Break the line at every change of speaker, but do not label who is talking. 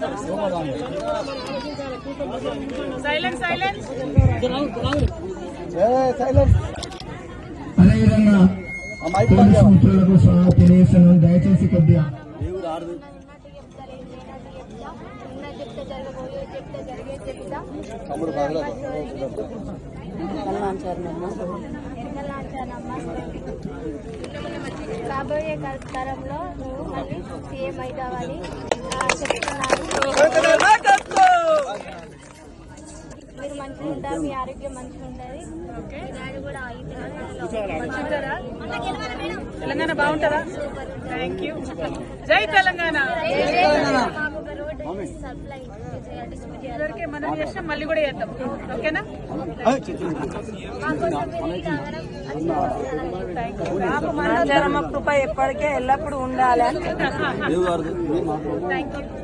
అదేవిధంగా మిత్రులకు తెలియజేస్తున్నాను, దయచేసి కొద్దిగా
రాబోయే తరంలో నువ్వు మళ్ళీ సీఎం అవుతావని చెప్తున్నాను. మీరు మంచిగా ఉంటారు, మీ ఆరోగ్యం మంచిగా ఉంటుంది. డాడీ కూడా
తెలంగాణ బాగుంటుందా? Thank you. జై తెలంగాణ. ఇదివరకే మనం చేస్తాం, మళ్ళీ కూడా చేద్దాం. ఓకేనా?
కృప ఎప్పటికే ఎల్లప్పుడూ ఉండాలి.
Thank you.